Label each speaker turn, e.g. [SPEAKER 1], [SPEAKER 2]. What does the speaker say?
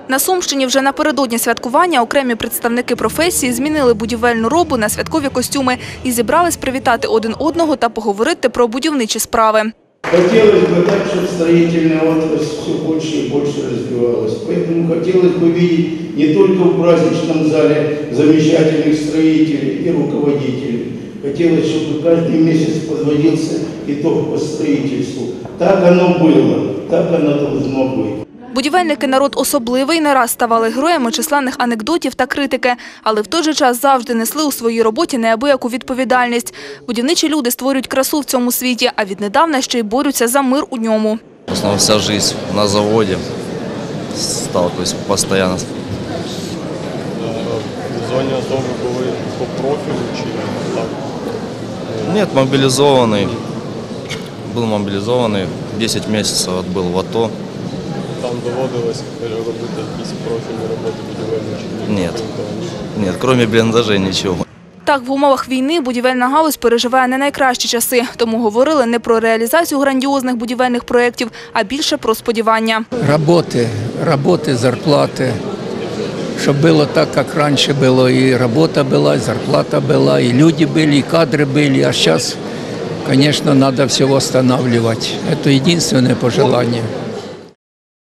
[SPEAKER 1] На Сумщині вже напередодні святкування окремі представники професії змінили будівельну робу на святкові костюми і зібрались привітати один одного та поговорити про будівничі справи.
[SPEAKER 2] Хотелось бы так, чтобы строительная отрасль все больше и больше развивалась. Поэтому хотелось бы видеть не только в праздничном зале замечательных строителей и руководителей. Хотелось, чтобы каждый месяц подводился итог по строительству. Так оно было, так оно должно быть.
[SPEAKER 1] Будівельники – народ особливий, не раз ставали героями численних анекдотів та критики, але в той же час завжди несли у своїй роботі неабияку відповідальність. Будівничі люди створюють красу в цьому світі, а віднедавна ще й борються за мир у ньому.
[SPEAKER 3] В основном вся жизнь на заводе, сталкиваюсь постоянно.
[SPEAKER 4] В зоні АТО ви були по профілю чи так?
[SPEAKER 3] Нет, мобилизованный. Был мобилизованный, 10 месяцев отбыл в АТО.
[SPEAKER 4] Там доводилось робити якісь профільні роботи будівельні?
[SPEAKER 3] Нет, кроме бліндажей нічого.
[SPEAKER 1] Так, в умовах війни будівельна галузь переживає не найкращі часи. Тому говорили не про реалізацію грандіозних будівельних проєктів, а більше про сподівання.
[SPEAKER 5] Роботи, зарплати. Щоб було так, як раніше було. І робота була, і зарплата була, і люди були, і кадри були. А зараз, звісно, треба все відновлювати. Це єдине пожелання.